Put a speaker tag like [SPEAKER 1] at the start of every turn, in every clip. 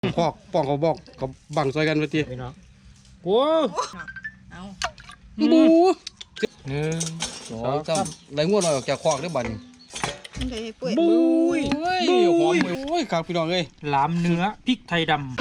[SPEAKER 1] พอกป้องเขาบอกเขาบังซอยกันไปที
[SPEAKER 2] พี่น้องโอ้
[SPEAKER 3] เอา
[SPEAKER 1] บู
[SPEAKER 2] 1
[SPEAKER 1] 2 3ไหลงวดหน่อยออกจากคอกได้บัด
[SPEAKER 3] เลยปุ้ย
[SPEAKER 2] บุ้ย
[SPEAKER 1] เฮ้ยหอมเลยโอ้ยครับพี่น้องเอ้ย
[SPEAKER 2] หลามเนื้อพริกไทยดำ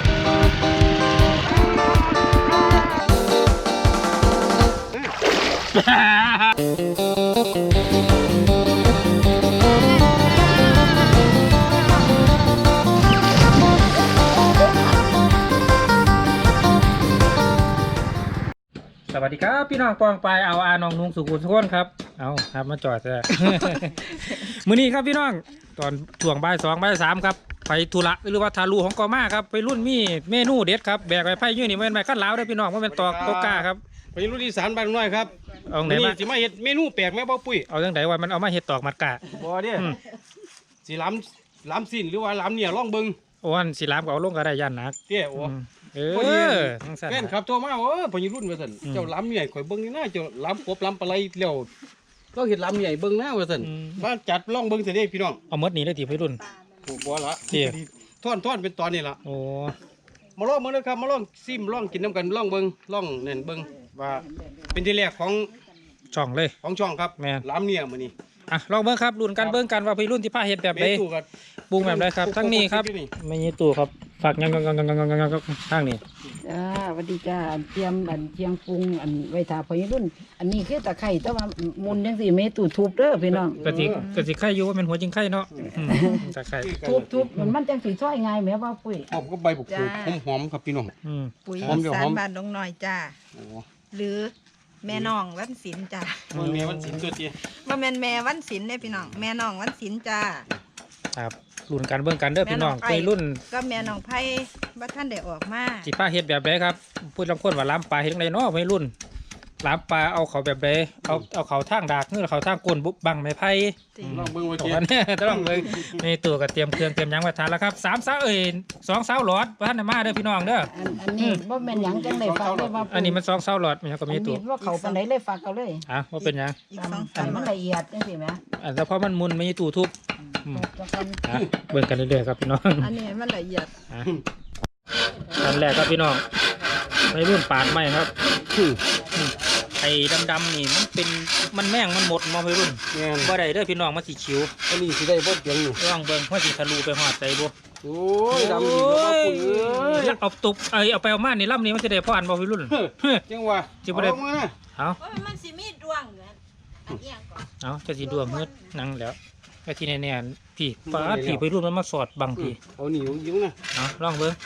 [SPEAKER 2] สวัสดีครับพี่น้องปองไปเอาอาน้องนุงสุขุมทุกคนครับเอาครับมาจอดเลย มื้อนี้ครับพี่น้องตอนช่วงบ่าย2บ่าย3ครับไปธุระหรือว่าทารูของกอมาครับไปรุ่นมีเมนูเด็ดครับแบกไปไผ่ยื่นนี่มันเป็นไม้ขั้นล้าวได้พี่น้องมันเป็นตอกโตกาครับ
[SPEAKER 1] ไปรุ่นอีสานบ้านน้อยครับ
[SPEAKER 2] เอาไหนมา
[SPEAKER 1] สิมาเฮ็ดเมนูแปลกแม่บ่ปุ้ย
[SPEAKER 2] เอาจังไดว่ามันเอามาเฮ็ดตอกมัดกะ
[SPEAKER 1] บ่เด้สิล้ำสิ้นหรือว่าล้ำเนี่ยลองเบิ่ง
[SPEAKER 2] โอ้อันสิลามก็เอาลงก็ได้ย่านหนัก
[SPEAKER 1] เด้โอ้
[SPEAKER 2] เออทั้งสั่น
[SPEAKER 1] แฟนครับโทรมาพอรุ่นว่าซั่นเจ้าล้ำเนี่ยข่อยเบิ่งนี่นะเจ้าล้ำกบล้ำปลาไหลแล้วเราเฮ็ดล้ำเนี่ยเบิ่งนะว่าซั่นว่าจัดลองเบิ่งซิเด้พี่น้อง
[SPEAKER 2] เอาหมดนี้เลยที่พี่รุ่น
[SPEAKER 1] บ่ละ
[SPEAKER 2] เด้
[SPEAKER 1] ท่อนเป็นตอนนี้ล่ะ
[SPEAKER 2] โอ้
[SPEAKER 1] มาลองเบิ่งเลยครับมาลองซิมลองกินน้ำกันลองเบิ่งลองเน่นเบิ่งว่าเป็นที่แรกของ
[SPEAKER 2] ช่องเลย
[SPEAKER 1] ช่องครับ
[SPEAKER 2] แม่น
[SPEAKER 1] ล้ำเนี่ยมื้อนี้
[SPEAKER 2] อ่ะลองเบิ่งครับรุ่นกันเบิ่งกันว่าพี่รุ่นที่พาเฮ็ดแบบใด
[SPEAKER 1] เมนูกับ
[SPEAKER 2] ปรุงแบบใดครับทั้งนี้ครับไม่มีตู้ครับฝากยังทางนี้
[SPEAKER 3] จ้าสวัสดีจ้าเตรียมเชียงปรุงไว้ถาพอยรุ่น อันนี้คือตะไคร้แต่ว่ามุนจังสี่เมตู่ทุบเด้อพี่น้อง
[SPEAKER 2] กะสิไข่อยู่ว่าเป็นหัวจริงไข่เนาะตะไคร้
[SPEAKER 3] ทุบมันจังสีช่วยง่ายแม่ว่าปุ้ย
[SPEAKER 1] หอมก็ใบบุกถูกหอมๆครับพี่น้อง
[SPEAKER 3] ปุ๋ย
[SPEAKER 1] หอมเดี๋ยว
[SPEAKER 3] สา
[SPEAKER 1] หอ
[SPEAKER 3] ร
[SPEAKER 1] ม
[SPEAKER 3] บ้านดงน้อยจ้า
[SPEAKER 1] โอ้
[SPEAKER 3] หรือแม่น้องวันศิลป์จ้า
[SPEAKER 1] มันมีวันสินตัวเตี้ย
[SPEAKER 3] ว่าแม่นแม่วันศิลป์เนี่ยพี่น้องแม่น้องวันศิลป์จ้า
[SPEAKER 2] ครับรุ่นกันเบิ่งกันเด้อพี่น้องไปรุ่น
[SPEAKER 3] ก็แม่น้องไผ่ว่าท่านได้ออกมา
[SPEAKER 2] สิพาเฮ็ดแบบใดครับพูดลำคนว่าล้ำปลาเฮ็ดจังไดเนาะวัยรุ่นล้ำปลาเอาเขาแบบใดเอาเขาทางดากหรือเขาทางก้นบุบบังไม้ไผ่
[SPEAKER 1] ลองเบิ่งว่า
[SPEAKER 2] ตอ
[SPEAKER 1] เตี้ย
[SPEAKER 2] นนี้ต้องเลยในตัวก็เตรียมเครื่องเตรียมหยังไว้ทานแล้วครับ3 สาว2 สาวหลอดบ่ทันได้มาเด้อพี่น้องเด้อ
[SPEAKER 3] อันนี้ว่าแม่นหยังจังได้ฝากเลยว่า
[SPEAKER 2] อันนี้มัน2 สาวหลอดมันก็มีตัว
[SPEAKER 3] ว่าเขาปานใดเลยฝากเอาเลย
[SPEAKER 2] ว่าเป็นหยัง
[SPEAKER 3] อันมันละเอียดจังซี่แหม
[SPEAKER 2] แต่พอมันมุนมีตู้ทุบ
[SPEAKER 3] จังซั่น
[SPEAKER 2] เบิ่งกันเรื่อยๆครับพี่น้อง
[SPEAKER 3] อันนี้มันละเอียด
[SPEAKER 2] อันแรกครับพี่น้องวัยรุ่นปาดไม้ครับไอ้ดำๆนี่มันแม่งมันหมดมองวัยรุ่น
[SPEAKER 1] แม่น
[SPEAKER 2] บ่ได้เด้อพี่น้องมันสิขิว
[SPEAKER 1] อันนี้สิได้บ่เตียงอยู่
[SPEAKER 2] ลองเบิ่งว่าสิทะลุไปหอดใจบ่
[SPEAKER 1] โอ้ยดำดีกว่าปุ๋ยเอ้ย
[SPEAKER 2] แล้วเอาตุกเอาไปเอามานี่ลำนี้มันจะได้พ่ออันบ่วัยรุ่น
[SPEAKER 1] จังว่า
[SPEAKER 2] จิบ่ได้
[SPEAKER 1] เอามานะ
[SPEAKER 2] เอา
[SPEAKER 3] มันสิมีดวงเหรออันเอียงก่อน
[SPEAKER 2] เอาจะสิดวงเฮ็ดนั่งแล้วไอ้ที่แน่ๆพี่ปาดพี่วัยรุ่นมันมาสอดบังพี่
[SPEAKER 1] เอาหนียิงนะ
[SPEAKER 2] เอาลองเบิ่ง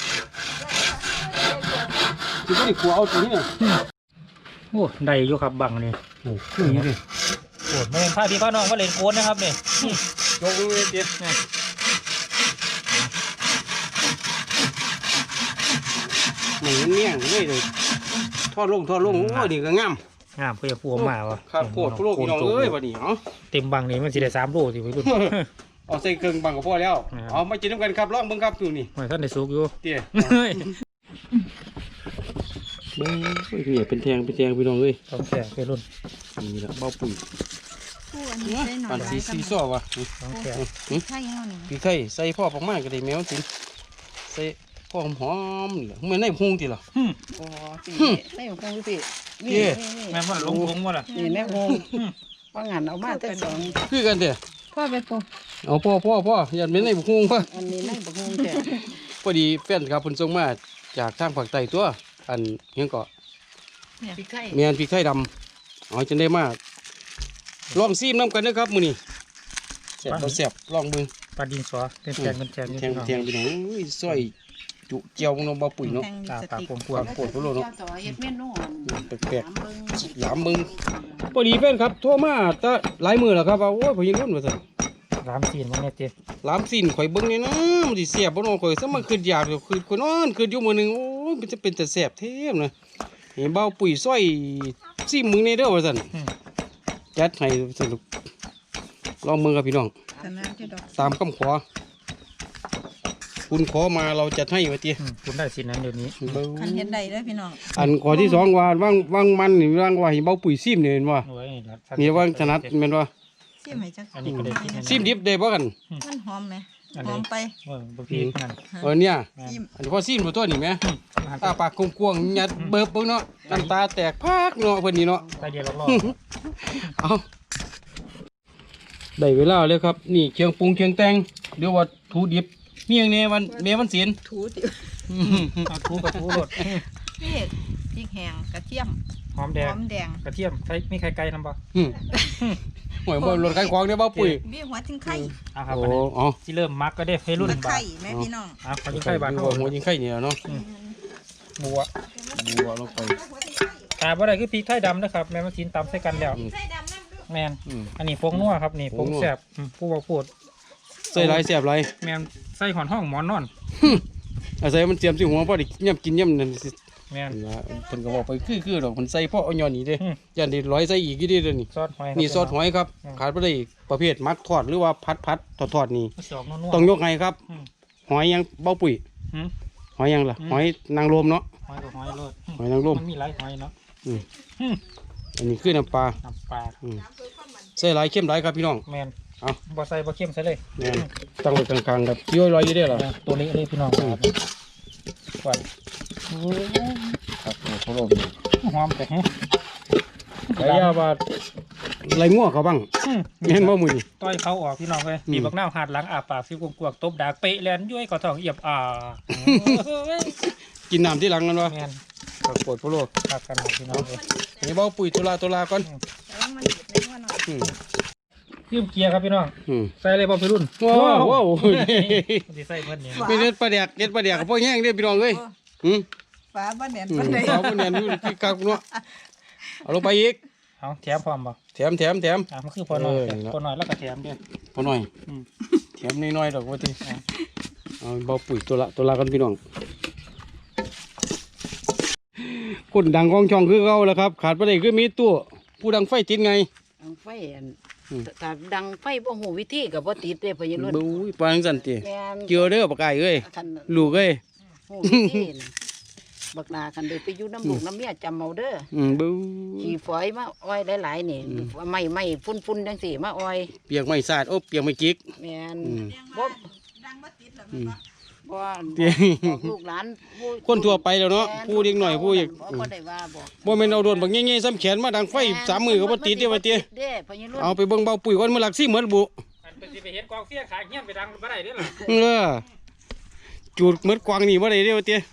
[SPEAKER 1] สิบ่ได้ขัวเอาตัวนี้น่ะ
[SPEAKER 2] โอ้ได้อยู่ครับบังนี่
[SPEAKER 1] โอ้คือนี่ดิ
[SPEAKER 2] โอ้ไม่เป็นพาพี่พาน้องมาเล่นโกนนะครับนี่
[SPEAKER 1] ยกเลยเตี้ยนี่มันเมี่ยงเลยทอดลงโอ้ยนี่ก็งาม
[SPEAKER 2] งามเพื่อพัวมาวะ
[SPEAKER 1] ครับโคตรพวกพี่น้องเอ้ยบัดนี้เนาะ
[SPEAKER 2] เต็มบังนี่มันสิได้3 โลสิวัยรุ่น
[SPEAKER 1] เอาใส่เครื่องบังกับพ่อแล้ว เอามากินน้ำกันครับลองเบิ่งครับดูนี่
[SPEAKER 2] ไม่ท่านได้สุกอยู่
[SPEAKER 1] เตี้ยเบิ่งนี่เป็นแทงพี่น้องเอ้ย
[SPEAKER 2] ต้องแข่วัยรุ่น
[SPEAKER 1] นี่ละเบ้าปุ๋ย
[SPEAKER 3] ผู้อันนี้ใส่หน่อ
[SPEAKER 1] ปั
[SPEAKER 3] ย
[SPEAKER 1] นสีซ้อวะ
[SPEAKER 2] ต้องแข่
[SPEAKER 3] ใช่ยังนี่
[SPEAKER 1] พี่ไข่ใส่พ่อประมาณก็ได้แมวสิใส่พ่อหอมๆนี่ไม่ในพุงติล่ะ
[SPEAKER 3] โอ้สิไม่ของคงสิ
[SPEAKER 1] เย้
[SPEAKER 2] แม่ว่าลงว่าล่ะ
[SPEAKER 3] นี่แม่คงว่างานเอามาแต่สอง
[SPEAKER 1] คือกันเด้อ
[SPEAKER 3] พ่อไปปรุง
[SPEAKER 1] เอาพ่ออย่าเป็นในพุงพ่อ
[SPEAKER 3] อันนี้ไม่ปรุงแต่
[SPEAKER 1] พอดีแฟนครับเพิ่นส่งมาจากทางภาคใต้ตัวอันเฮียงเกาะ
[SPEAKER 3] พริกไข่
[SPEAKER 1] แม่นพี่ไข่ดำเอาจังได้มากลองซีมน้ำกันนะครับมื้อนี้แซ่บบ่แซ่บลองเบิ่ง
[SPEAKER 2] ปลาดินสอเป็นแทงเป็นแทง
[SPEAKER 1] แทงพี่น้องอุ้ยซอยจุเจียวน้องบ่ปุ๋ยเนาะ
[SPEAKER 2] ตาปากผมกลัว
[SPEAKER 1] โคตรโลเนาะ
[SPEAKER 3] ต่อเฮ็ดเมนู
[SPEAKER 1] แปลกๆหลามมึงพอดีแฟนครับโทรมาแต่หลายมื้อแล้วครับว่าโอ้ยพอยิงรุ่นว่าซั่น
[SPEAKER 2] ร้านซีนมันเนี่ยเจ๊
[SPEAKER 1] หลามสิ้นข่อยเบิ่งนี่นะมันสิแซ่บบ่เนาะข่อยซะมันขึ้นยากอยู่คือข่อยนอนขึ้นอยู่มื้อหนึงโอ้ยมันจะเป็นแต่แซ่บแท้นะเห็นเบาปุ๋ยซอยซิมมึงนี่เด้อว่าซั่นจัดให้สนุกลองมือครับพี่น้อง
[SPEAKER 3] ขนาดที่ดอก
[SPEAKER 1] ตามคำขอคุณขอมาเราจัดให้ว่าติ
[SPEAKER 2] คุณได้สินนั้นเดี๋ยวนี้
[SPEAKER 3] คันเฮ็ดได้เด้อพี่น้อง
[SPEAKER 1] อันขอที่สองว่าว่างมันนี่ว่างว่าให้เบาปุ๋ยซิมนี่เห็นบ่
[SPEAKER 2] โอ้ย
[SPEAKER 1] นี่ว่างถนัดแม่นบ่
[SPEAKER 3] ซิมให้จัก
[SPEAKER 2] อันนี้ก็ได้
[SPEAKER 1] ซิมดิบได้บ่กัน
[SPEAKER 3] มันหอมไหม
[SPEAKER 2] อัน
[SPEAKER 4] หอ
[SPEAKER 2] นี้
[SPEAKER 4] มไป
[SPEAKER 2] บางทีนั่น
[SPEAKER 1] เนี่ย
[SPEAKER 2] แม่น
[SPEAKER 4] จิ้ม
[SPEAKER 1] อันนี้พอซีนบ่ตัวนี่แหม
[SPEAKER 2] หัน
[SPEAKER 1] ตาปากกวางๆยัดเบิบเบิ่งเนาะน้ำตาแตกพากเนาะเพิ่นนี่เนาะ
[SPEAKER 2] ใส่เดียวรอบ
[SPEAKER 1] เอาได้เวลาแล้วครับ นี่เคียงปรุงเคียงแต่งเดี๋ยวว่าทูดิบเมียงแน่วันแม่วันศีล
[SPEAKER 4] ถูติ
[SPEAKER 2] ๆเอาทูกับทูรส
[SPEAKER 4] นี่พริกแห้งกระเทียม
[SPEAKER 2] หอมแด
[SPEAKER 4] ห
[SPEAKER 2] ง
[SPEAKER 4] อมแดง
[SPEAKER 2] กระเทียมใส่มีไข่ไก่นำบ่
[SPEAKER 1] อืมหวยบ่รถไข่ควางได้อบ่ปุ๋ย
[SPEAKER 4] มีหัวจิงไข่
[SPEAKER 2] เอาครับ
[SPEAKER 1] โอ้
[SPEAKER 2] อันนี้
[SPEAKER 1] อ๋อ
[SPEAKER 2] ที่เริ่มมักก็ได้ให้รุ่น
[SPEAKER 4] ตะ
[SPEAKER 2] บา
[SPEAKER 4] ไคร้
[SPEAKER 2] ท
[SPEAKER 4] แม่พี่น้อง
[SPEAKER 2] เอาขอยิงไข่บาท
[SPEAKER 1] หั
[SPEAKER 2] เท่าว
[SPEAKER 1] หัวยิงไข่เนี่ยเนาะ
[SPEAKER 2] บัว
[SPEAKER 1] บัวลงไป
[SPEAKER 2] ตาบ่ได้คือพริกไทยดำนะครับแม่มากินตำใส่กันแล้ว
[SPEAKER 4] ไข่ดำน้ำดู
[SPEAKER 2] แมน
[SPEAKER 1] อืม
[SPEAKER 2] อันนี้ผงนัวครับนี่ผงแซ่บผู้บอกพูด
[SPEAKER 1] ใส่หลายแซ่บหลาย
[SPEAKER 2] แมนใส่หอนห้องหมอนนอน
[SPEAKER 1] อาศัยมันเตรียมสิหัวพอได้ย่ำกินย่ำนั่นสิ
[SPEAKER 2] แมน
[SPEAKER 1] นะเพิ่นก็บอกไปคือดอกเพิ่นใส่เพราะเอาย้อนนี่เด้
[SPEAKER 2] อืม
[SPEAKER 1] ย่านได้ร้อยใส่อีกอยู่เด้เด้อนี่
[SPEAKER 2] ซอสหอย
[SPEAKER 1] นี่ซอสหอยครับ
[SPEAKER 2] อืม
[SPEAKER 1] ขาดบ่ได้ประเภทมักทอดหรือว่าพัดทอดนี่
[SPEAKER 2] สองนัว
[SPEAKER 1] ต้องยกให้ครับ
[SPEAKER 2] อืม
[SPEAKER 1] หอยยังเบ้าปุ๋ย
[SPEAKER 2] อืม
[SPEAKER 1] หอยยังล่ะ
[SPEAKER 2] อืม
[SPEAKER 1] หอยนางรมเนาะ
[SPEAKER 2] หอยกับหอยโลด
[SPEAKER 1] หอยนางรม
[SPEAKER 2] มันมีหลายหอยเนาะ
[SPEAKER 1] อืม
[SPEAKER 2] อืม
[SPEAKER 1] อันนี้คือน้ำปลา
[SPEAKER 2] น้ำปลา
[SPEAKER 1] อืมใส่หลายเข้มหลายครับพี่น้อง
[SPEAKER 2] แมน
[SPEAKER 1] เอา
[SPEAKER 2] บ่ใส่บ่เข้มใส่เลย
[SPEAKER 1] แม่นตั้งไว้กลางๆครับย้อยลอยอยู่ได้อล่ะ
[SPEAKER 2] ตัวนี้เลยพี่น้องครับก่อน
[SPEAKER 1] ครับโอ้โหโลม
[SPEAKER 2] หอมแต่ฮะ
[SPEAKER 1] ไก่ยาว่าไรงัวเขาบ้าง
[SPEAKER 2] อืม
[SPEAKER 1] แม่นบ่มื้อนี้
[SPEAKER 2] ต้อยเขาออกพี่น้องเลย
[SPEAKER 1] อืม
[SPEAKER 2] ปีบักหน้าวหาดหลังอาปากซิวกวกๆตบดากเปะแลนย้วยก็ท้องเอียบ
[SPEAKER 1] กินน้ำที่หลังกันวะ
[SPEAKER 2] แมน
[SPEAKER 1] ครับปวดพะโล
[SPEAKER 2] คักกันหมดพี่น้องเลย
[SPEAKER 1] ให้เบ้าปุ๋ยตุลาก่อน
[SPEAKER 4] แต่ว่ามันเด็ดในหัวหน่อย
[SPEAKER 1] อืม
[SPEAKER 2] ยืมเกียร์ครับพี่น้อง
[SPEAKER 1] อืม
[SPEAKER 2] ใส่เลยบ่พี่รุ่น
[SPEAKER 1] ว้าวว้าว
[SPEAKER 2] สิใส่เพิ่นเนี่ย
[SPEAKER 1] มีเด็ดปลาแดกกับพ่อแห้งเด้อพี่น้องเอ้ยอืม
[SPEAKER 4] ฟ้าบ้านแหนน
[SPEAKER 1] อืม
[SPEAKER 4] บ้านใด
[SPEAKER 1] สาวคนเนี่ยอยู่ที่กักเนาะเอาลงไปอีก
[SPEAKER 2] เอาแถมพร้อมบ่
[SPEAKER 1] แถม
[SPEAKER 2] อ่ะมันคือพอหน่อย
[SPEAKER 1] นั่นล่ะ
[SPEAKER 2] พอหน่อยแล้วก็แถมเด้อ
[SPEAKER 1] พอหน่อย
[SPEAKER 2] อืม
[SPEAKER 1] แถมน้อยๆดอกว่าที่เอาเบ้าปุ๋ยตุลากันพี่น้องคนดังกองช่องคือเขาแหล้วครับ ขาดไปได้คือมีตัวผู้ดังไฟติดไง
[SPEAKER 3] ดังไฟอัน
[SPEAKER 1] อืม
[SPEAKER 3] ถ้าดังไฟบ่ฮู้วิธีก็บ่ติดเด้พ่อใหญ่รุ่น
[SPEAKER 1] บุ้ยปานจังซั่นติ
[SPEAKER 3] แม่น
[SPEAKER 1] เกี่ยวเด้อปากไก่เอ้ย
[SPEAKER 3] คัน
[SPEAKER 1] ลูกเอ้ย
[SPEAKER 3] ฮู้วิธีน่ะบักนาคันได้ไปอยู่น้ำลูกน้ำเมียจำเอาเด้อ
[SPEAKER 1] บุ้ย
[SPEAKER 3] ขี่ฝอยมาอ้อยหลายๆนี่ไม่ฟุ้นๆจังซี่มาอ้อย
[SPEAKER 1] เปียกไม่สาดโอ้เปียกไม่จิก
[SPEAKER 3] แม่น
[SPEAKER 1] อืม
[SPEAKER 3] บ่
[SPEAKER 4] ดังบ่ติดหรอก
[SPEAKER 1] อืม
[SPEAKER 3] บ่ว่า
[SPEAKER 1] เตี้ย
[SPEAKER 3] บอกลูกหลานผู้
[SPEAKER 1] คนทั่วไปแล้วเนาะ
[SPEAKER 3] แม่
[SPEAKER 1] ผู้เด็กหน่อยผู้อยาก
[SPEAKER 3] บ่ได้ว่าบอก
[SPEAKER 1] บ่แม่นเอาโดนบักแง่ๆซ้ำแขนมาดังไฟสามมือก็บ่ติดเด้อว่าเตี้ย
[SPEAKER 3] เด้พ่อใหญ่รุ่น
[SPEAKER 4] Ờ.
[SPEAKER 1] เอาไปเบิ่งเบาปุ๋ยก่อนมื้อหลักสิเหมือนบุ
[SPEAKER 2] อันเป็นสิไปเห็นกองเสียขายเงี้ยนไปดังบ่ได้เด้อล่ะ
[SPEAKER 1] เออจูดเหมือนกวางนี่บ่ได้เด้อว่าเตี้ย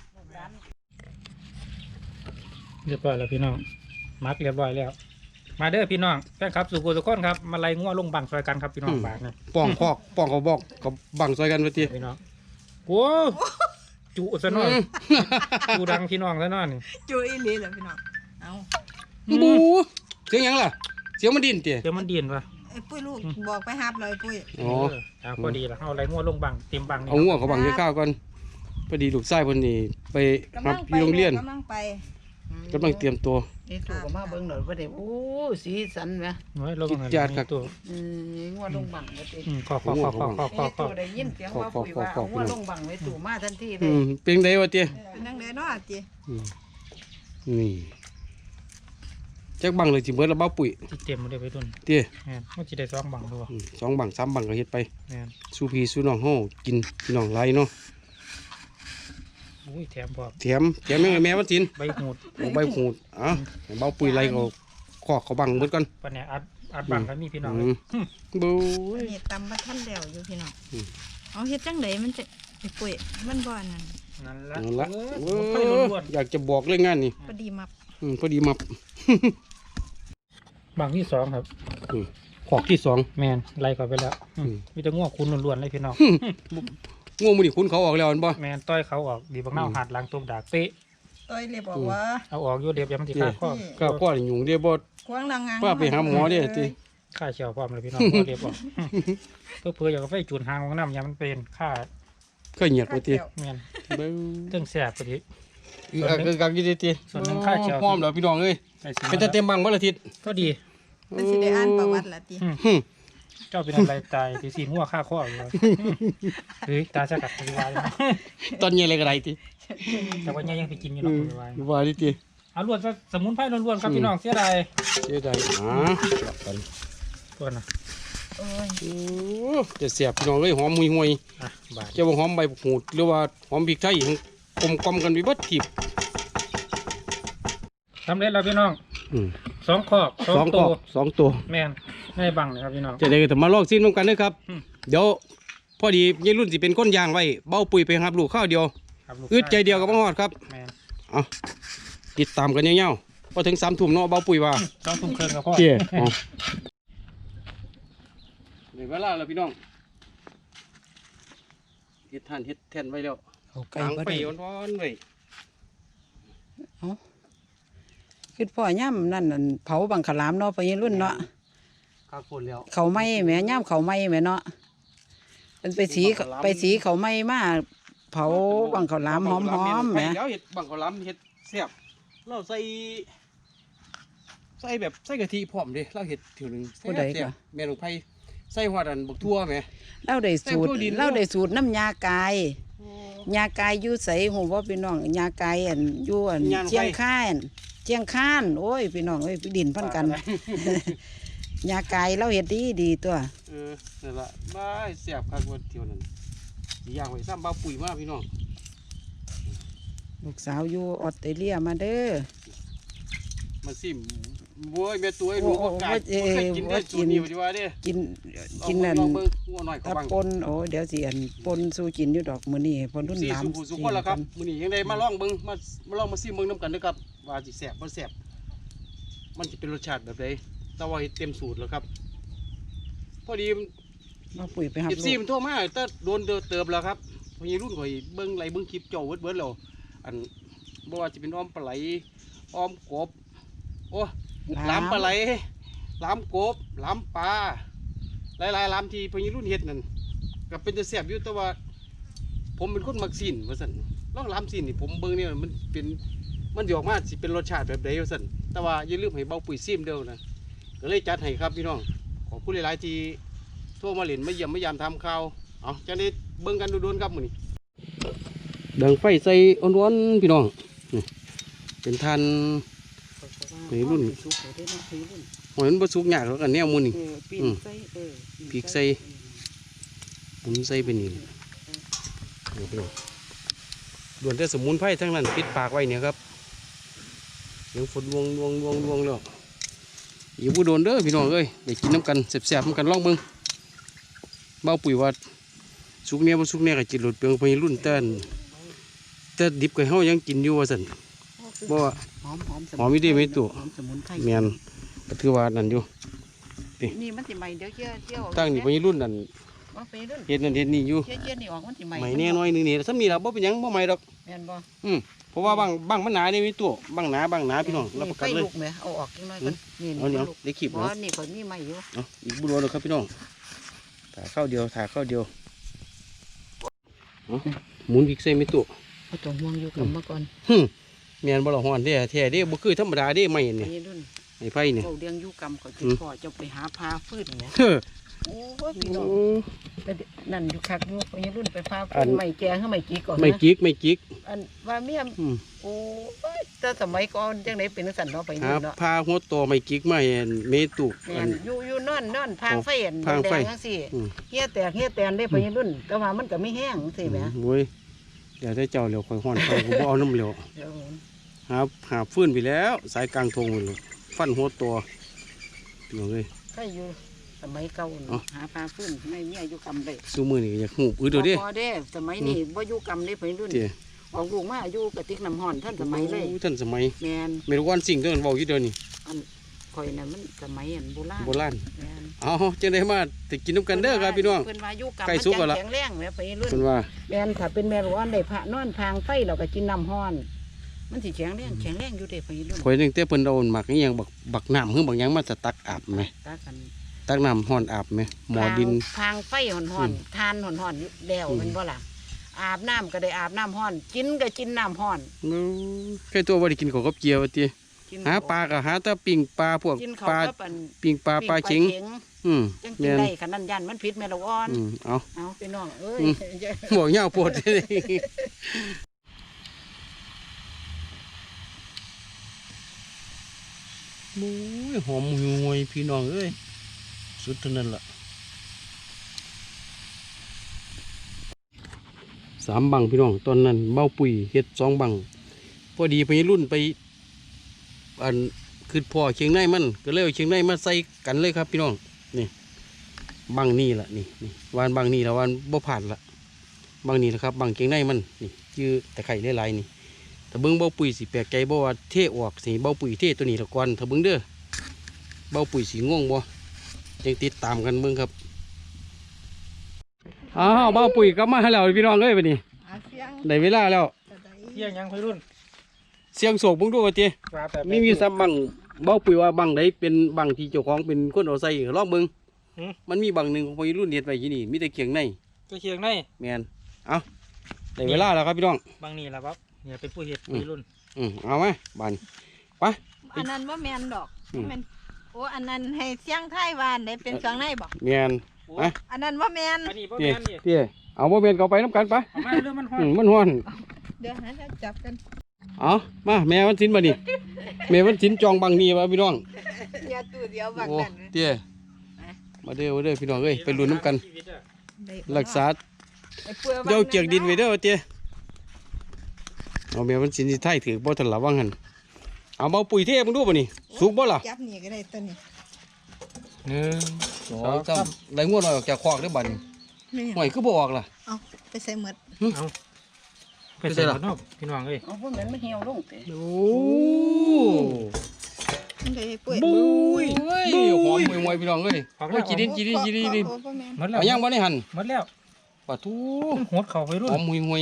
[SPEAKER 2] เรียบร้อยแล้วพี่น้องมักเรียบร้อยแล้ว มาเด้อพี่น้องแฟนคลับสุโขทุกคนครับมาไล่งัวลงบังซอยกันครับพี่น้องบาทนี่
[SPEAKER 1] ป้องคอกป้องเขาบอกกับบังซอยกันว่าเตี้ย
[SPEAKER 2] พี่น้องโอ้จุซะหน่อยจุดังพี่น้องซะหน่อยนี่
[SPEAKER 4] จุอีหลีเหรอพี่น้องเอา
[SPEAKER 1] บูเสียงหยังล่ะเสียงมันดิ้นเตี้ย
[SPEAKER 2] เดี๋ยวมันเดียนวะ
[SPEAKER 4] ไอ้ปุ้ยลูกบอกไปฮับเลยปุ้ย
[SPEAKER 1] อ๋อ
[SPEAKER 2] พอดีละเอาอะไรงัวลงบังเต็มบังนี่
[SPEAKER 1] เอางัวเขาบังข้าวก่อนพอดีลูกชายเพิ่นนี่ไป
[SPEAKER 4] กำ
[SPEAKER 1] รั
[SPEAKER 4] ลั
[SPEAKER 1] บ
[SPEAKER 4] ง
[SPEAKER 1] อ
[SPEAKER 4] ไป
[SPEAKER 1] ยู่โรงเรียน
[SPEAKER 4] กำลังไป
[SPEAKER 1] กำลังเตรียมตัว
[SPEAKER 3] นี่ถูกก็มาเบิ่งหน่อยบ่ได้โอ้สีสันแหม
[SPEAKER 2] โอ้ยลงเงิน
[SPEAKER 1] จัดครับ
[SPEAKER 2] ตัว
[SPEAKER 3] งัวลงบังบ่ติ
[SPEAKER 2] ขอ
[SPEAKER 3] นี่ตู่ได้ยินเสียงว่าปุ๋ยว่าเอางัวลงบังไว้ตู่มาทันทีเล
[SPEAKER 1] อื
[SPEAKER 3] ย
[SPEAKER 1] มเป็นไดวะเตี้ย
[SPEAKER 4] เป็นนังเดนเนาะจี
[SPEAKER 1] อืมนี่จักบังเลยสิเบิดละเบ้าปุ๋ย
[SPEAKER 2] จิเต็มมาได้ไปตุน
[SPEAKER 1] เตี้ย
[SPEAKER 2] แม่นมันจิได้2บังด้วย
[SPEAKER 1] สองบังสามบังก็เฮ็ดไป
[SPEAKER 2] แม่น
[SPEAKER 1] สู้พี่สู้น้องเฮากินพี่น้องไรเนาะ
[SPEAKER 2] อุ้ยแถมพร้อม
[SPEAKER 1] แถมยังไงแม่วันศิลป์
[SPEAKER 2] ใบหูด
[SPEAKER 1] เอาใบหูดอ่ะให้เบ้าปุ๋ยไรก็ขอกเขาบังเบิดก่อน
[SPEAKER 2] ปะเนี่ยอัดบังก็มีพี่น้อง
[SPEAKER 1] อืมบู
[SPEAKER 4] อันนี้ตำบัท่านแล้วอยู่พี่น้อง
[SPEAKER 1] อืม
[SPEAKER 4] เอาเฮ็ดจังไดมันจะไอ้ปุ้ยมันบ่อนนั่น
[SPEAKER 2] นั่นละ
[SPEAKER 1] นั่นละ
[SPEAKER 2] เอ
[SPEAKER 1] เอ
[SPEAKER 2] อไฟ
[SPEAKER 1] อ
[SPEAKER 2] ล้วน
[SPEAKER 1] อยากจะบอกเรื่องงานนี่
[SPEAKER 4] พอดีมับ
[SPEAKER 1] พอดีมับ
[SPEAKER 2] ๆบังที่2ครับ
[SPEAKER 1] ขอกที่สอง
[SPEAKER 2] แม่นไล่เข้าไปแล้ว
[SPEAKER 1] อืม
[SPEAKER 2] มีแต่ง่วงคุณล้วนๆเลยพี่น้อง
[SPEAKER 1] ง่วงมือนี่คุณเขาออกแล้วอันบ่
[SPEAKER 2] แม่นต้อยเขาออกดีบักเน่าหัดหลังตบดากเป๊ะ
[SPEAKER 4] ต้อยเลยบอกว่า
[SPEAKER 2] เอาออกอยู่เดียบยามนสิค่าข้อ
[SPEAKER 1] ก็ก็ยุ่งเด้บ่
[SPEAKER 4] ควางนางงาม
[SPEAKER 1] ว่าไปหาหมอเด้ติ
[SPEAKER 2] ค่าเชียวพร้อมเลยพี่น้องพอเดียบออกเพื่ออยากเอาไฟจูนหางของน้ำยามมันเป็นค่า
[SPEAKER 1] เคยเหยียดไปติ
[SPEAKER 2] แม่น
[SPEAKER 1] เบ้อ
[SPEAKER 2] เรื่องแสบพอดี
[SPEAKER 1] คือกักอยู่ติ
[SPEAKER 2] ส่วนหนึ่งค่าเช่า
[SPEAKER 1] พร้อมแล้วพี่น้องเอ้ย
[SPEAKER 2] ไอ้สิ
[SPEAKER 1] เป็นแต่เต็มบังบ่ละทิศ
[SPEAKER 2] ก็ดี
[SPEAKER 4] มันสิได้อ่านประวัติละติ
[SPEAKER 2] เจ้าเป็นอะไรตายที่สีหัวค่าข้ออยู่เลยเฮ้ยตาจะกัดปฏิวัติ
[SPEAKER 1] ตอนเย็นอะไรก็ได้ติ
[SPEAKER 2] แต่ว่ายังไปกินอยู่หรอกปฏิวัติ
[SPEAKER 1] ว่าดิติ
[SPEAKER 2] เอาล้วนซะสมุนไพรล้วนๆครับพี่น้องเสียดาย
[SPEAKER 1] เสียดายหลับกัน
[SPEAKER 2] ตัวน่ะ
[SPEAKER 3] โอ้ย
[SPEAKER 1] โอ้จะเสียบพี่น้องเลยหอมห่วย
[SPEAKER 2] อ่ะบาด
[SPEAKER 1] ๆจะว่าหอมใบหูดหรือว่าหอมพริกไทยกลมๆกันไปเบัดทิบ
[SPEAKER 2] สำเร็จแล้วพี่น้อง
[SPEAKER 1] อืม
[SPEAKER 2] 2ขอบ
[SPEAKER 1] สอง
[SPEAKER 2] 2
[SPEAKER 1] ก
[SPEAKER 2] ตั
[SPEAKER 1] รอ
[SPEAKER 2] ว
[SPEAKER 1] บสองตัว
[SPEAKER 2] แม่นให้บังเลยครับพี่น้อง
[SPEAKER 1] จะได้ก็มาลอกซิมกันนะครับ
[SPEAKER 2] อืม
[SPEAKER 1] เดี๋ยวพอดียายรุ่นสิเป็นก้นยางไว้เบ้าปุ๋ยไปครับลูกข้าวเดียว
[SPEAKER 2] ครับลูก
[SPEAKER 1] อึดใจเดียวกับพ่อฮอดครับ
[SPEAKER 2] แม่น
[SPEAKER 1] เอาติดตามกันยาวๆพอถึง3 ทุ่มเนาะเบ้าปุ๋ยว่า
[SPEAKER 2] 2 ทุ่มครึ่งกับพ่อ
[SPEAKER 1] เจ้าเดี๋ยวเวลาแล้วพี่น้องเฮ็ดท่านเฮ็ดแท่นไว้แล้ว
[SPEAKER 3] เอาไก่
[SPEAKER 1] กลาง
[SPEAKER 3] บ่
[SPEAKER 1] ไฟ
[SPEAKER 3] ได้
[SPEAKER 1] ร้อนๆไว้
[SPEAKER 3] คือพ่อย่ำนั่นนั่นเผาบังขลามเนาะไปยังรุ่นเนาะ
[SPEAKER 1] ข้าวฝนแล้ว
[SPEAKER 3] เขาไหม้แหม่ย่ำเขาไหม้แหม่เนาะเป็นไปสีเขาไหม้มาเผาบังขลามหอมๆแหม่
[SPEAKER 1] เดี๋ยวเฮ็ดบังข้าวหลามเฮ็ดแซ่บเราใส่แบบใส่กะทิพร้อมเด้เราเฮ็ดเถื่อนึง
[SPEAKER 3] ผู้ใด
[SPEAKER 1] แซ่
[SPEAKER 3] ก็
[SPEAKER 1] บๆแม่นของไผใส่ฮอดอันบักทั่วแหม
[SPEAKER 3] เราได้สูตร
[SPEAKER 1] แต่ผู้ดิน
[SPEAKER 3] เราได้สูตรน้ำยากายยากายอยู่ใสหูว่าพี่น้องยากายอันอยู่อันเชียงคานเชียงคานโอ้ยพี่น้องเอ้ยดินพันกัน ยากายเราเฮ็ดดีตัว
[SPEAKER 1] นั่นล่ะบ้ายแซ่บคักว่าเที่ยวนั้นสิย่างไว้ซ้ำเบาปุ๋ยมาพี่น้อง
[SPEAKER 3] ลูกสาวอยู่ออสเตรเลียมาเด้อ
[SPEAKER 1] มาซิมโว้ยแม่ตัวไอ้หนูบ่กล้าบ่เคยกินได้สูตรนี้ว่าสิว่าเด้
[SPEAKER 3] กินกินนั่น
[SPEAKER 1] ลองเบิ่งงัวน้อยเขา
[SPEAKER 3] ถ้า
[SPEAKER 1] บัง
[SPEAKER 3] ปนโอ้เดี๋ยวสิอันปนสู้กินอยู่ดอกมื้อนี้ปนรุ่น
[SPEAKER 1] สี่
[SPEAKER 3] หลาม
[SPEAKER 1] สุขุสุขคนละครับมื้อนี้ยังได้มาลองเบิ่งมาลองมาซิมเบิ่งนํกันเด้อครับว่าสิแซ่บบ่แซ่บมันสิเป็นรสชาติแบบใดแต่ว่าเฮ็ดเต็มสูตรแล้วครับ พอดี
[SPEAKER 3] มาปุ๋ยไปหับ
[SPEAKER 1] เอฟ
[SPEAKER 3] ลู
[SPEAKER 1] ซี
[SPEAKER 3] ก
[SPEAKER 1] มันโทรมาแต่โดนเติบแล้วครับพอยีรุ่นข่อยเบิ้งไหลเบิ้งคลิปเจ้าเบิดแล้วอันบ่ว่าจะเป็นอ้อมปลาไหลอ้อมกบโอ้ลามปลาไหลลามกบลามปลาหลายๆลามที่พอยีรุ่นเฮ็ดนั่นก็เป็นจะแซ่บอยู่แต่ว่า ผมเป็นคนมักซีนว่าซั่นลองลามซีนนี่ผมเบิ้งเนี่ยมันเป็นมันสิออกมาสิเป็นรสชาติแบบใดว่าซั่นแต่ว่าอย่าลืมให้เบาปุ๋ยซิมเด้อนะก็เลยจัดให้ครับพี่น้องขอบคุณหลายๆที่ โทรมาเล่นมาเยี่ยมมายามทำข่าวเอาจะได้เบิ่งกันดูๆครับมื้อนี้ดังไฟใส่อ่อนๆพี่น้องนี่เป็นทาน วัยรุ่น
[SPEAKER 3] สุกเลยเด้อเนาะวัยรุ่น
[SPEAKER 1] หอยมันบ่สุกยากหรอกอันแนวมื้อนี้
[SPEAKER 3] ปีนใส่
[SPEAKER 1] พริกใส่ หมุนใส่ไปนี่นี่พี่น้องด่วนแต่สมุนไพรทั้งนั้นปิดปากไว้เนี่ยครับเดี๋ยวฝนลวงแล้วอย่าบ่โดนเด้อพี่น้องเอ้ยได้กินน้ำกันแซ่บๆน้ำกันลองเบิ่งเบาปุ๋ยว่าสุกเนี่ยบ่สุกเนี่ยก็จิตหลุดเปลืองไปรุ่นแต่ดิบก็เฮายังกินอยู่ว่าซั่นบ่ว่า
[SPEAKER 3] หอม
[SPEAKER 1] หอมอีเด้ไหมตู่
[SPEAKER 3] หอมสมุนไพร
[SPEAKER 1] แม่นก็ถือว่านั่นอยู่
[SPEAKER 3] นี่มันสิใหม่เดี๋ยวเที่ยว
[SPEAKER 1] ตั้งนี่ไปรุ่นนั่น
[SPEAKER 3] ว่าไปรุ่น
[SPEAKER 1] เฮ็ดนั่นเฮ็ดนี่อยู่
[SPEAKER 3] เที่ยวนี่ออกมันสิใหม่
[SPEAKER 1] ใหม่แน่น้อยหนึงนี่ซ้ำนี่ล่ะบ่เป็นหยังบ่ใหม่ดอก
[SPEAKER 3] แม่นบ่
[SPEAKER 1] เพราะว่าบางมันหนานี่มีตัวบางหนาพี่น้องรับประกันเลย
[SPEAKER 3] ไฟลุกไหมเอาออกจังน้อยกันนี่
[SPEAKER 1] เอาเดี๋ยว
[SPEAKER 3] ลูก
[SPEAKER 1] ได้ขีบ
[SPEAKER 3] บ่
[SPEAKER 1] เนาะ
[SPEAKER 3] นี่ข่อยมีใหม่อยู่
[SPEAKER 1] เอาอีกบุรุษครับพี่น้องถ่าข้าวเดียวเอาหมุนพริกใส่ไม่ตัว
[SPEAKER 3] เอาตัวม่วงอยู่กับมาก่อน
[SPEAKER 1] แม่นบ่ละฮ้อนเด้แท้เด้บ่คือธรรมดาเด้ไม่นี่
[SPEAKER 3] นี่รุ่น
[SPEAKER 1] ไอ้ไผนี่
[SPEAKER 3] เขาเลี้ยงอยู่กรรมเขาจะพ่อจะไปหาพาฟืนเนี่ย
[SPEAKER 1] เฮ้อ
[SPEAKER 3] โอ้ยพี่น้องแต่นั่นอยู่คักอยู่ไปรุ่นไปพา
[SPEAKER 1] อั
[SPEAKER 3] ฟื
[SPEAKER 1] น
[SPEAKER 3] นใหม่แกงให้ใหม่จีก่อน
[SPEAKER 1] ไม่
[SPEAKER 3] นะ
[SPEAKER 1] จิก
[SPEAKER 3] อันว่าเมีย
[SPEAKER 1] อืม
[SPEAKER 3] โอ้ยแต่สมัยก่อนจังไดเป็นจังซั่นเนาะไป
[SPEAKER 1] หา
[SPEAKER 3] รุ่นเนาะ
[SPEAKER 1] พาหัวโตไม่จิกมาให้เมตุ
[SPEAKER 3] แม่นอยู่นอนพางไฟอัน
[SPEAKER 1] พาง
[SPEAKER 3] แด
[SPEAKER 1] ไฟ
[SPEAKER 3] งจังซี่
[SPEAKER 1] อืม
[SPEAKER 3] เฮียแตนได้ไปรุ่น แต่ว่ามันก็ไม่แห้งจังซี่แหม
[SPEAKER 1] โอ้ยเดี๋ยวได้เจ้าเหลียวข่อยฮ้อนไปกูบ่เอาน้ำเหลียว
[SPEAKER 3] เดี๋ยว
[SPEAKER 1] หาฟื้นไปแล้ว สายกลางทงไปเลยฟันหัวโตพี่น้องเอ้ย
[SPEAKER 3] ใครอยู่สมัยเก่าน่ะ
[SPEAKER 1] เอ้า
[SPEAKER 3] หาพาฟืนไม่มีอายุกรรมได้
[SPEAKER 1] ซูมือนี่อยากหูบเดี๋ยวเด้
[SPEAKER 3] พอเด้สมัยนี้บ่อยู่กรรมได้ไปรุ่น
[SPEAKER 1] เดี๋ยว
[SPEAKER 3] ออกลูกมาอายุกระติกน้ำห้อนท่านสมัยเลย
[SPEAKER 1] โอ้ท่านสมัย
[SPEAKER 3] แมน
[SPEAKER 1] ไม่รู้วันสิ่งเดินเบาอยู่เดียวนี่
[SPEAKER 3] อันข่อยน่ะมันสมัยอันโบราณ
[SPEAKER 1] โบราณ
[SPEAKER 3] แม่น
[SPEAKER 1] เอาจังได้มาแต่กินน้ำกันเด้อครับพี่น้อง
[SPEAKER 3] เพิ่นว่าอายุกรรม
[SPEAKER 1] ใกล้
[SPEAKER 3] มัน
[SPEAKER 1] สุกแล้วล่ะ
[SPEAKER 3] แข็งแรงแหม่ไปรุ่น
[SPEAKER 1] เพิ่นว่า
[SPEAKER 3] แมนถ้าเป็นแม่ร้อนได้พระนอนทางไฟเราก็กินน้ำห้อน มันสิแข็งแรงอยู่เด้ไปรุ่น
[SPEAKER 1] ข่อยนึงแต่เพิ่นเอาหมักอีหยังบักน้ำคือบักหยังมาจะตักอาบไหม
[SPEAKER 3] ตากัน
[SPEAKER 1] ตักน้ำห้อนอาบไหมหมอดิน
[SPEAKER 3] ทางไฟห่อนๆทานห่อนๆแล้วแมันบ่ล่ะอาบน้ำก็ได้อาบน้ำห้อนกินก็กินน้ำห้อน
[SPEAKER 1] แค่ตัวบ่ได้กินข้าวกับเกี๊ยวว่าติ
[SPEAKER 3] กิน
[SPEAKER 1] หาปลาก็หาแต่ปิ้งปลาพวก
[SPEAKER 3] กิน
[SPEAKER 1] ป
[SPEAKER 3] ข้าว
[SPEAKER 1] ลา
[SPEAKER 3] กับอัน
[SPEAKER 1] ปิ้งปลาปลาเข็งอืม
[SPEAKER 3] จังกิน
[SPEAKER 1] แม่น
[SPEAKER 3] ได้ขนาดยันมันผิดแม่ละอ่อน
[SPEAKER 1] เอา
[SPEAKER 3] เอาพี่น้องเอ้ย
[SPEAKER 1] บอกยาวโพดเลยโอ้ยหอมห่วยพี่น้องเอ้ยสุดเท่านั้นล่ะ 3 บังพี่น้องตอนนั้นเบ้าปุ๋ยเฮ็ด2 บังพอดีไปรุ่นไปอันคือพ่อเชียงในมันก็เลยเอาเชียงในมาใส่กันเลยครับพี่น้องนี่บังนี่ล่ะนี่วานบังนี่ละวานบ่ผ่านละบังนี่นะครับบังเชียงในมันนี่ชื่อตะไคร้หลายๆนี่ถ้าเบิ่งเบ้าปุ๋ยสิแปลกใจบ่ว่าเทออกสิเบ้าปุ๋ยเทตัวนี้ละก่อนถ้าเบิ่งเด้อเบ้าปุ๋ยสิงงบ่ยังติดตามกันเบิ่งครับอ้าวเบ้าปุ๋ยกลับมาแล้วพี่น้องเอ้ยบัดนี้
[SPEAKER 4] อาเสียง
[SPEAKER 1] ได้เวลาแล้ว
[SPEAKER 4] จะได้
[SPEAKER 2] เที่ยงยังไปรุ่น
[SPEAKER 1] เสียงโศกเบิ่งดูว่าติ
[SPEAKER 2] ว่าแต่
[SPEAKER 1] มีซ้ำบังเบ้าปุ๋ยว่าบังใดเป็นบังที่เจ้าของเป็นคนเอาใส่ลองเบิ่งมันมีบังหนึงของวัยรุ่นเฮ็ดไว้ที่นี่มีแต่เคียงใน
[SPEAKER 2] ตัวเคียงใน
[SPEAKER 1] แม่นเอาได้เวลาแล้วครับพี่น้อง
[SPEAKER 2] บางนี่แหละครับเนี่ยเป็นผู้เฮ็ดไปรุ่น
[SPEAKER 1] เอามาบานไป
[SPEAKER 4] อันนั้นว่าแมนดอก
[SPEAKER 1] อืม
[SPEAKER 4] แม่นโอ้อันนั้นให้เสียงไทยวานได้เป็นเสียงในบอก
[SPEAKER 1] แม่น
[SPEAKER 2] โอ้
[SPEAKER 1] ไป
[SPEAKER 4] อันนั้นว่าแมน
[SPEAKER 2] อันนี้พ่อ
[SPEAKER 1] เตี้ย
[SPEAKER 2] แม่นนี่
[SPEAKER 1] เตี้ยเอาบ่แม่นก็ไปน้ำกันไป
[SPEAKER 2] เอามาเรื่องมันฮอด
[SPEAKER 1] มันฮ้อน
[SPEAKER 4] เดี๋ยวนะจะจับกัน
[SPEAKER 1] เอามาแม่วันศิลป์บัดนี้แม่วันศิลป์จองบังนี่ว่าพี่น้อง
[SPEAKER 4] อย่าตู้เดียวบัก
[SPEAKER 1] โอ้
[SPEAKER 4] นั่น
[SPEAKER 1] เตี้ยมาเด้อพี่น้องเอ้ยไปลุ้นน้ำกัน
[SPEAKER 4] ได้
[SPEAKER 1] รักษา
[SPEAKER 4] ไอ้เปลือก
[SPEAKER 1] เดี๋ยวเจียกดินไว้เด้อเตี้ยเอาแม่วันศิลป์สิไทยถือบ่ทันละว่างหั่นเอาเบาปุ๋ยเทมึงดูบ่นี่สุกบ่ล่ะ
[SPEAKER 4] จับนี่ก็ได้ตัวนี้
[SPEAKER 2] 1 2
[SPEAKER 1] 3ได้งวดออกจากคอกเด้อบัดนี้
[SPEAKER 4] นี่
[SPEAKER 1] ห่วยคือบ่ออกล่ะ
[SPEAKER 4] เอาไปใส่หมด
[SPEAKER 2] เอาไปใส่หมดเนาะพี่น้องเอ้ย
[SPEAKER 3] เอาพวกนั้นมันเหี่ยวลงเตะ
[SPEAKER 1] โอ้
[SPEAKER 4] มันได้ปุ้ย
[SPEAKER 1] บุ้ยหอมมวยพี่น้องเอ้ยโอ้ยกินดิน
[SPEAKER 4] โอ้บ่แม่น
[SPEAKER 2] หมดแล้ว
[SPEAKER 1] เอายังบ่ได้หั่น
[SPEAKER 2] หมดแล้ว
[SPEAKER 1] ปะทู
[SPEAKER 2] หดเข่าไปรุ่น
[SPEAKER 1] หอมมวย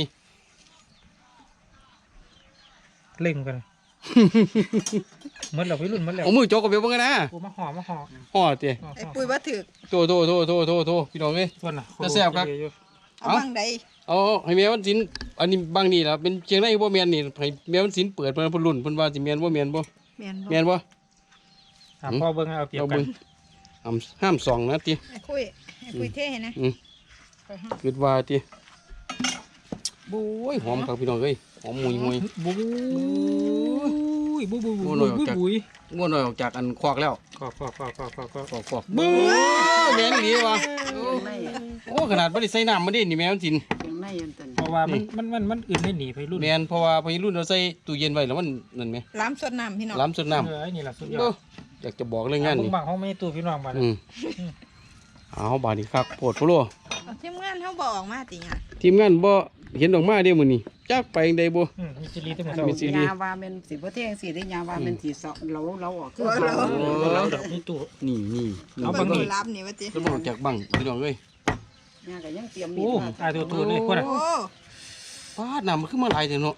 [SPEAKER 2] เล่งกันหมดแล้วไปรุ่นหมดแล้ว
[SPEAKER 1] เอามือจกกับเบลเบิ่งกันนะ
[SPEAKER 2] กูมาห่อมาห่อ
[SPEAKER 1] ห่อเตี้ย
[SPEAKER 4] ไอ้ปุ้ยว่าถือ
[SPEAKER 1] โตพี่น้องเอ้ย
[SPEAKER 2] ส่วนน่ะ
[SPEAKER 1] จะแซ่บครับ
[SPEAKER 4] เอาบังใด
[SPEAKER 1] เอาให้แม่วันศิลป์อันนี้บางนี่ล่ะเป็นเชียงในบ่แม่นนี่ให้แม่วันศิลป์เปิดเพิ่นเพิ่นรุ่นเพิ่นว่าสิแม่นบ่แม่นบ่
[SPEAKER 4] แม่นบ่
[SPEAKER 1] แม่นบ่
[SPEAKER 2] ถามพ่อเบิ่งเอาเปรียบ
[SPEAKER 1] เอา
[SPEAKER 2] กั
[SPEAKER 1] เบิ่
[SPEAKER 2] น
[SPEAKER 1] งห้ามส่องนะติ
[SPEAKER 4] ไอ้ปุ้ยเท่ให้นะ
[SPEAKER 1] คิดว่าติโอ้ยหอมครับพี่น้องเอ้ยหอมมวย
[SPEAKER 2] บุ้ยบุ้ยบุ้ย
[SPEAKER 1] โอ้
[SPEAKER 2] บุ้ย
[SPEAKER 1] หน่อยออก
[SPEAKER 2] บุ้ย
[SPEAKER 1] จาก
[SPEAKER 2] บุ้ย
[SPEAKER 1] ง่วนน้อยออกจากอันคอกแล้ว
[SPEAKER 2] ขอบ
[SPEAKER 1] คอกบู๊แม่นดีว่ะ
[SPEAKER 3] เคียงใน
[SPEAKER 1] โอ้ขนาดบ่ได้ใส่น้ำมาดินี่แม่วันศิลป์
[SPEAKER 3] เคียงในยันตัน
[SPEAKER 2] เพราะว่ามันอื่นไม่หนีไปรุ่น
[SPEAKER 1] แม่นเพราะว่าพอรุ่นเราใส่ตู้เย็นไว้แล้วมันนั่นแหม
[SPEAKER 4] ล้ำสดน้ำพี่น้อง
[SPEAKER 1] ล้ำสุดน้ำ
[SPEAKER 2] ไอ้นี่แหละสุดยอ
[SPEAKER 1] โอ้
[SPEAKER 2] ด
[SPEAKER 1] อยากจะบอกเรื่องงาน
[SPEAKER 2] มึง
[SPEAKER 1] นี่
[SPEAKER 2] บังห้องไม่ตู้พี่น้องมาเลย
[SPEAKER 1] เอาบาดนี้ครับโพดโพโล
[SPEAKER 4] เอาทีมงานเขาบอกออกมาติหยัง
[SPEAKER 1] ทีมงานบ่เห็นออกมาเด้มื้อนี้จักไปจั่งใดบ่
[SPEAKER 2] มีจิรีตั้งแต่
[SPEAKER 1] มี
[SPEAKER 2] เช้า
[SPEAKER 1] สิ ริ
[SPEAKER 3] ยาว่ามันสิบ่เที่ยงสิได้ยาว่ามันสิเสาะเราออกคือเรา
[SPEAKER 2] เราดอกนี่ตู้
[SPEAKER 1] นี่
[SPEAKER 2] เอาบังนี่
[SPEAKER 4] รับนี่ว่าติ
[SPEAKER 1] ก็บ่รู้จักบังพี่น้องเอ้ย
[SPEAKER 3] ยาก็ยังเตรียมมี
[SPEAKER 2] โอ้
[SPEAKER 3] ดมา
[SPEAKER 2] ตายตัวเลยพวกน่ะ
[SPEAKER 4] โอ้
[SPEAKER 1] ฟาดน้ำมันขึ้นมาหลายเด้เนาะ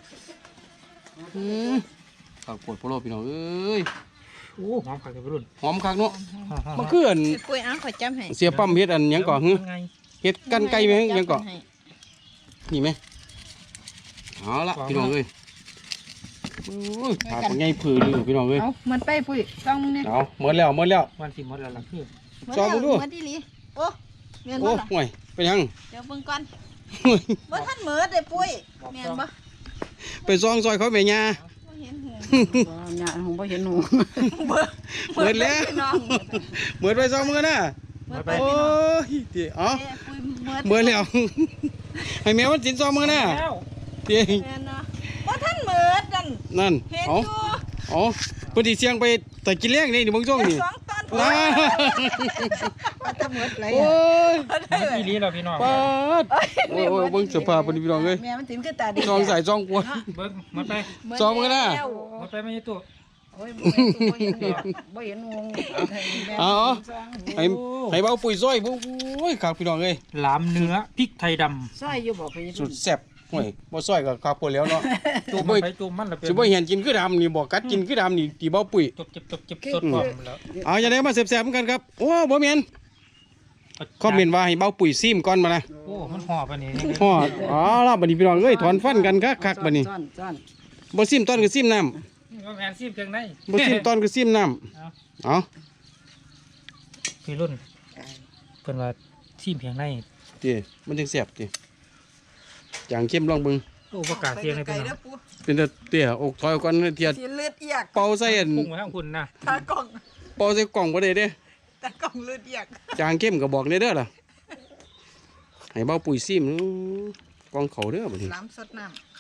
[SPEAKER 1] ครับโพดโพโลพี่น้องเอ้ย
[SPEAKER 2] โอ้หอมขัดกับรุ่น
[SPEAKER 1] หอมคักเนาะ
[SPEAKER 2] มั
[SPEAKER 1] มันคืออัน
[SPEAKER 4] ไอ้ปุ้ยเอาขอจับให้
[SPEAKER 1] เสียปั๊มเฮ็ดอันหยังก่อฮึ
[SPEAKER 2] ไง
[SPEAKER 1] เฮ็ดกันไก่ไหมหยังก่อ
[SPEAKER 4] จับให้
[SPEAKER 1] นี่ไหมเอาละพี่น้องเอ้ยโอ้ยหาปังใหญ่ผือเลยพี่น้องเอ้ย
[SPEAKER 4] เอามันไปปุ้ยต้องมึงเนี่ย
[SPEAKER 1] เอาหมดแล้ว
[SPEAKER 2] วันสิหมดแล้วล่ะคือ
[SPEAKER 1] ซองมึงดู
[SPEAKER 4] มาดิลิโอ้เมียน
[SPEAKER 1] โอ้
[SPEAKER 4] บ่ล่ะ
[SPEAKER 1] ห่วยไปยัง
[SPEAKER 4] เดี๋ยวเบิ่งก่อนบ่ทันเหมือดเลยปุ้ยเมียนบ่
[SPEAKER 1] ไปซองซอยเขาแม่ย่า
[SPEAKER 4] บ่เห็นหู
[SPEAKER 3] ยาของบ่เห็นหนู
[SPEAKER 1] หมดแล้ว
[SPEAKER 4] พี่น้อง
[SPEAKER 1] เหมือนไปซองมือนะ
[SPEAKER 4] เหมือดไป
[SPEAKER 1] โอ้
[SPEAKER 4] พี่น้อง
[SPEAKER 1] ยเตี๋ยอ๋อ
[SPEAKER 4] เอ้ยปุ้ยเหมือด
[SPEAKER 1] เหมือนแล้ว ให้แมวมันสินซองมือนะ
[SPEAKER 2] แล้ว
[SPEAKER 1] เตี๋ย
[SPEAKER 4] แม่นเนาะบ่ทันเหมือดนั่น
[SPEAKER 1] นั่น
[SPEAKER 4] เห็น
[SPEAKER 1] อ๋อ
[SPEAKER 4] อยู่
[SPEAKER 1] อ๋อปฏิเสียงไปแต่กินเลี้ยงนี่เดี๋ยวมึงซ่องนี่
[SPEAKER 4] สองตอน
[SPEAKER 1] นะ
[SPEAKER 3] ว่าจะหมดเลย
[SPEAKER 1] โอ้ย
[SPEAKER 2] พี่ลีเราพี่น้อง
[SPEAKER 1] ปาดโอ้ยเบิ่งสภาพปฏิพี่น้องเอ้ย
[SPEAKER 3] แม่มันสินคือตาดี
[SPEAKER 1] ซองใส่ซองกลัว
[SPEAKER 2] เบิ้งหมดไป
[SPEAKER 1] ซ้อมกันนะ
[SPEAKER 4] แล้ว
[SPEAKER 2] หมดไปไม่ใช่ตู้
[SPEAKER 3] โอ้ยบ่เห็นบ่เห็นวง
[SPEAKER 1] อ๋อให้ให้เบาปุ๋ยซอยโอ้ยครับพี่น้องเอ้ย
[SPEAKER 2] หลามเนื้อพริกไทยด
[SPEAKER 3] ซอยอยู่บ่ไป
[SPEAKER 1] สุดแซ่บห่วยบ่ซอยก็ครับพอแล้วเนาะ
[SPEAKER 2] ำจุ่มมันไปจุ่มมันแล้วเป็น
[SPEAKER 1] สิบ่เห็นกินคือดำนี่บ่กัดกินคือดำนี่ตีเบาปุ๋ย
[SPEAKER 2] จบสดพร้อมแล้ว
[SPEAKER 1] เอาอย่าได้มาแซ่บๆเหมือนกันครับโอ้บ่แม่นคอมเมนต์ว่าให้เบาปุ๋ยซิมก่อนมานะ
[SPEAKER 2] โอ้มันห่อปะนี่
[SPEAKER 1] ฮอดอ๋อล่ะบัดนี้พี่น้องเอ้ยถอนฟันกันคักๆบัดนี้
[SPEAKER 3] ซ่อน
[SPEAKER 1] บ่ซิมตอนก็ซิมน้ำ
[SPEAKER 2] ว่าแมนซีมเครื่องใน
[SPEAKER 1] บ่ซิมตอนก็ซิมน้ำเอา
[SPEAKER 2] พี่รุ่นเพิ่นว่าซีมเพียงใน
[SPEAKER 1] ติมันจังแซ่บติจางเข้มลองเบิ่ง
[SPEAKER 2] โอ้ประกาศเสียงเลยพี่น้อง
[SPEAKER 1] เป็นแต่เตี้ยอกถอยก่อนเทีย
[SPEAKER 4] สิเลือดเอียก
[SPEAKER 1] เป่าใส่อัน
[SPEAKER 2] พุ่งไปทางคุณนะ
[SPEAKER 4] ตากล่อง
[SPEAKER 1] เป่าใส่กล่องบ่ได้เด้
[SPEAKER 4] ตากล่องเลือดเอียก
[SPEAKER 1] จางเข้มก็บอกเลยเด้อล่ะให้เบาปุ๋ยซิมกองเขาเด้อบัดนี้
[SPEAKER 3] ล้ำสดน้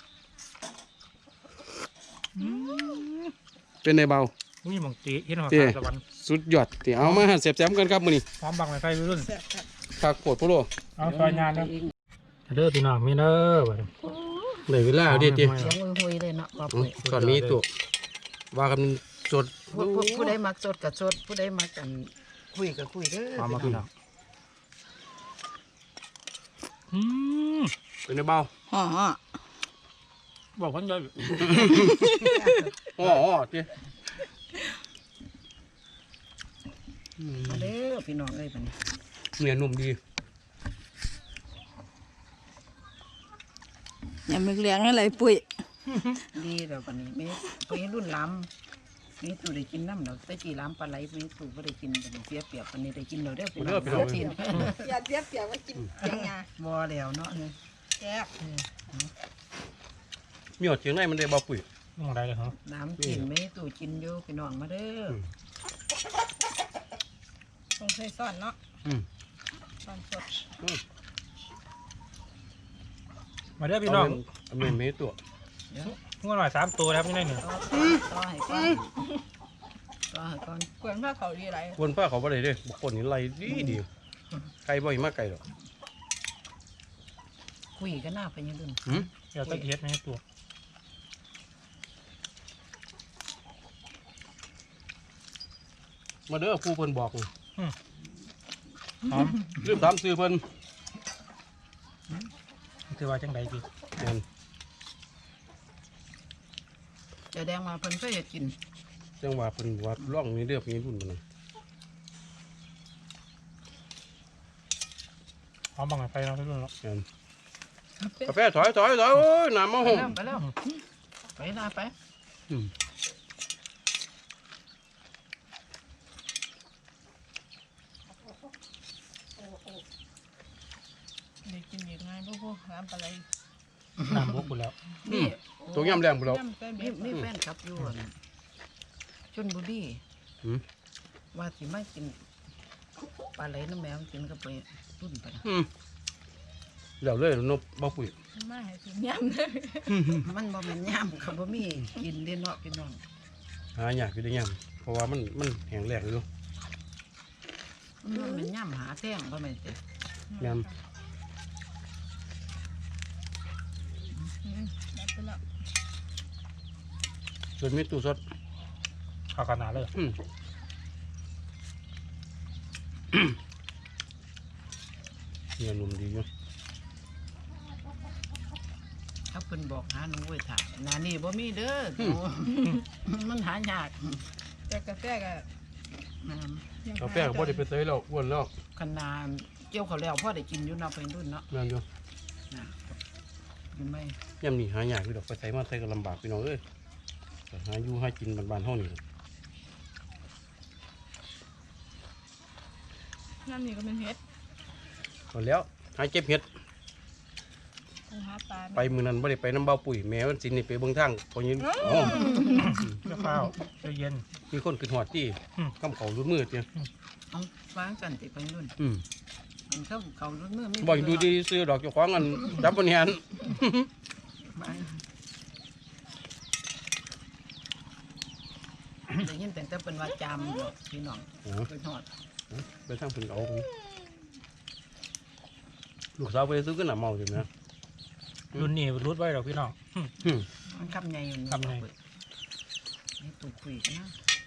[SPEAKER 1] เป็นในเบา
[SPEAKER 2] นี่หมองตีเห็นหัว
[SPEAKER 1] เต้
[SPEAKER 2] ตะวัน
[SPEAKER 1] สุดยอดที่เอามาเสียบแซมกันครับมื้อนี้
[SPEAKER 2] พร้อมบังไฟไฟรุ่น
[SPEAKER 1] คักโพดโพโล
[SPEAKER 2] เอาซอยงานนะเด้อพี่น้องมีเด้อบัดนี้
[SPEAKER 1] ได้เวลาเอาเด็ดติ
[SPEAKER 3] ำเสียงหุยๆเลยเนาะบ่ปุ้ย
[SPEAKER 1] ตอนนี้ตัวว่ากันสด
[SPEAKER 3] ผู้ใดมักสดกับสดผู้ใดมักกันคุยกับคุยเด้อ
[SPEAKER 2] พร้อมมาพี่น้องอืม
[SPEAKER 1] เป็นในเบา
[SPEAKER 3] ฮ่อ
[SPEAKER 2] บอกคนย่อย
[SPEAKER 1] อ๋อติ
[SPEAKER 3] มาเด้อพี่น้องเอ้ยบัดนี้
[SPEAKER 1] เนื้อนุ่มดี
[SPEAKER 4] อย่ามึกเลี้ยงอะไรปุ้ย
[SPEAKER 3] ดีแล้วบัดนี้มีรุ่นล้ำมีตู่ได้กินน้ำแล้วแต่กี่ล้ำปลาไหลมีตู่บ่ได้กินบัดนี้เสียเปรียบบัดนี้ได้กินแล้วเด้อพี่น้องเสียทีน
[SPEAKER 4] อย่าเสียเปรียบว่ากินยังไง
[SPEAKER 3] บ่แล้วเนาะ
[SPEAKER 4] แซ่บ
[SPEAKER 1] มีหอดเชียงในมันได้เบาปุ๋ย
[SPEAKER 2] มองได้เลยเหรอ
[SPEAKER 3] น้ำกินมีตู่กินอยู่พี่น้องมาเด้อ
[SPEAKER 4] ต้องใส่ซ่อนเนาะ
[SPEAKER 1] อืม
[SPEAKER 4] ซ่อนสด
[SPEAKER 2] มาเด้อพี่น้อง
[SPEAKER 1] เอาเมนเมตัว
[SPEAKER 3] เดี๋ยว
[SPEAKER 2] งวดหน่อย3 ตัวนะครับนี่ได้หนึ่ง
[SPEAKER 3] ต่อให้ก่อนต่อให้ก่อน
[SPEAKER 4] กวนผ้าเขาดีไร
[SPEAKER 1] คนป้าเขาบ่ได้เด้บางคนนี่ไล่ดีไก่บ่อยมากไก่หรอก
[SPEAKER 3] คุยกันหน้าไปยังรุ่น
[SPEAKER 1] หืม
[SPEAKER 2] เดี๋ยวตะเกียบในตัว
[SPEAKER 1] มาเด้อผู้เพิ่นบอกนี่
[SPEAKER 2] หอม
[SPEAKER 1] ลืมถามซื้อเพิ่น
[SPEAKER 2] คือว่าจังใดพี่
[SPEAKER 1] แม่น
[SPEAKER 3] จะแดงมาเพิ่นเคยเฮ็ดกิน
[SPEAKER 1] จังว่าเพิ่นว่าร่องนี่เด้อพี่รุ่นมันน่ะ
[SPEAKER 2] หอมบังไฟเราทุกคนเนาะ
[SPEAKER 1] แม่นกาแฟถอยโอ้ยน้ำมา
[SPEAKER 3] ไป
[SPEAKER 1] ห่ม
[SPEAKER 3] แล้วไปแล้วไปลาไป
[SPEAKER 1] อืม
[SPEAKER 4] ได้กินอีกไงพวกน้ำปลาไหล
[SPEAKER 2] น้ำบกกูแล้ว
[SPEAKER 3] นี่
[SPEAKER 1] ตัวยำแรงพุ่นแล้ว
[SPEAKER 4] น้ำใส่เบ็
[SPEAKER 3] มี
[SPEAKER 4] ด
[SPEAKER 3] แฟนคลับอยู่อั่นชลบุรี
[SPEAKER 1] หืม
[SPEAKER 3] ว่าสิมากินปลาไหลน้ำแมวกินก็ไปรุ่นไปนะ
[SPEAKER 1] อืมแล้วเลยนบเบาปุ๋ย
[SPEAKER 4] มาให้กินยำเลย
[SPEAKER 3] มันบ่แม่นย่ามเขาบ่มีกินเด้เนาะพี่น้อง
[SPEAKER 1] หายากอยู่ได้ยำเพราะว่ามันแห้งแรงอยู่
[SPEAKER 3] มันบ่แม่นย่ามหาแท่งบ่แม่นสิ
[SPEAKER 1] ย
[SPEAKER 4] ได้ไปแล้ว
[SPEAKER 1] ำส่วนมีตู้สด
[SPEAKER 2] เข้าขนาดเลย
[SPEAKER 1] อืมเนื้อนุ่มดีอยู่
[SPEAKER 3] ถ้าเพิ่นบอกหาหนูไว้ถ่ายหนานี่บ่มีเด้อหนูมันหายาก
[SPEAKER 4] แต่กาแฟก็
[SPEAKER 3] อืม
[SPEAKER 4] ยัง
[SPEAKER 1] กาแฟก็บ่ได้ไปเตยแล้วอ้วนแล้ว
[SPEAKER 3] คันนาเกี่ยวเขาวแล้วพ่อได้กินอยู่เนาะเป็นรุ่นเนาะ
[SPEAKER 1] แม่นอยู่
[SPEAKER 3] นะกินไหม
[SPEAKER 1] ยำนี่หายากอยู่ดอกไปใส่มาใส่ก็ลำบากพี่น้องเอ้ยแต่หาอยู่หากินบ้านๆเฮานี่
[SPEAKER 4] น้ำนี่ก็เป็นเห็ด
[SPEAKER 1] พอแล้วหาเก็บเห็ด
[SPEAKER 4] คงหาปลา
[SPEAKER 1] ไปมื้อนั้นบ่ได้ไปน้ำเบาปุ๋ยแม่วันสินนี่ไปเบิ่งทางพอยินอ๋อ
[SPEAKER 2] เจ้าข้าวใจเย็น
[SPEAKER 1] มีคนขึ้นฮอดที่
[SPEAKER 2] อืม
[SPEAKER 1] กำเขารุ่นมือเตี้ย
[SPEAKER 3] เอาวางกันติเป็นรุ่น
[SPEAKER 1] อืม
[SPEAKER 3] มันเข้าเขารุ่นมือไม่
[SPEAKER 1] บ่อยู่ดีซื้อดอกเจ้าของกันจับบ่แหน
[SPEAKER 3] ได้ยินแต่เป็นว่าจามอยู่พี่น้อง
[SPEAKER 1] อ๋อ
[SPEAKER 3] ไปทอด
[SPEAKER 1] ไปทางเพิ่นก็เอาพุ่นลูกสาวไปซื้อขึ้นน่ะเมาอยู่นะ
[SPEAKER 2] รุ่นนี้รุดไว้เราพี่น้อง
[SPEAKER 1] อืม
[SPEAKER 3] มันคำใหญ่อยู่
[SPEAKER 2] คำใหญ่
[SPEAKER 3] นี่ตูคุยกันนะ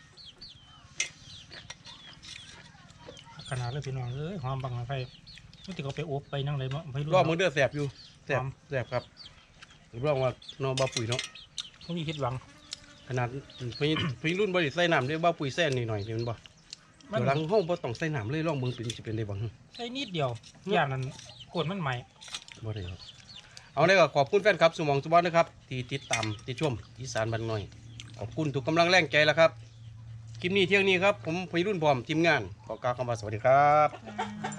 [SPEAKER 2] ขนาดเลยพี่น้องเอ้ยหอมบังไฟไม่ติดเขาไปอบไปนั่งเลยมั้งไปรุ่น
[SPEAKER 1] รอบมื้อเด้อแซ่บอยู่แซ่บ
[SPEAKER 2] หอม
[SPEAKER 1] แซ่บครับรับรองว่าน้องเบาปุ๋ยเนาะ
[SPEAKER 2] ไม่มีคิดหวัง
[SPEAKER 1] ขนาดพี่รุ่นบ่ได้ใส่น้ำได้เบาปุ๋ยแซ่นนิดหน่อยเดี๋ยวมันบ่
[SPEAKER 2] มั
[SPEAKER 1] เดี๋ยวหลังห้องบ่ต้องใส่น้ำเลยลองเบิ่งเป็นสิเป็นได้บ่
[SPEAKER 2] ใส่นิดเดียวย่านนั้นกดมันใหม่
[SPEAKER 1] บ่ได้ครับเอาเลยก็ขอบคุณแฟนครับสมองสุบอนนะครับที่ติดตามที่ชมอีสานบ้านน้อยขอบคุณทุกกำลังแรงใจแล้วครับคลิปนี้เที่ยงนี้ครับผมพี่รุ่นพร้อมทีมงานขอกล่าวคำว่าสวัสดีครับ
[SPEAKER 4] อ่า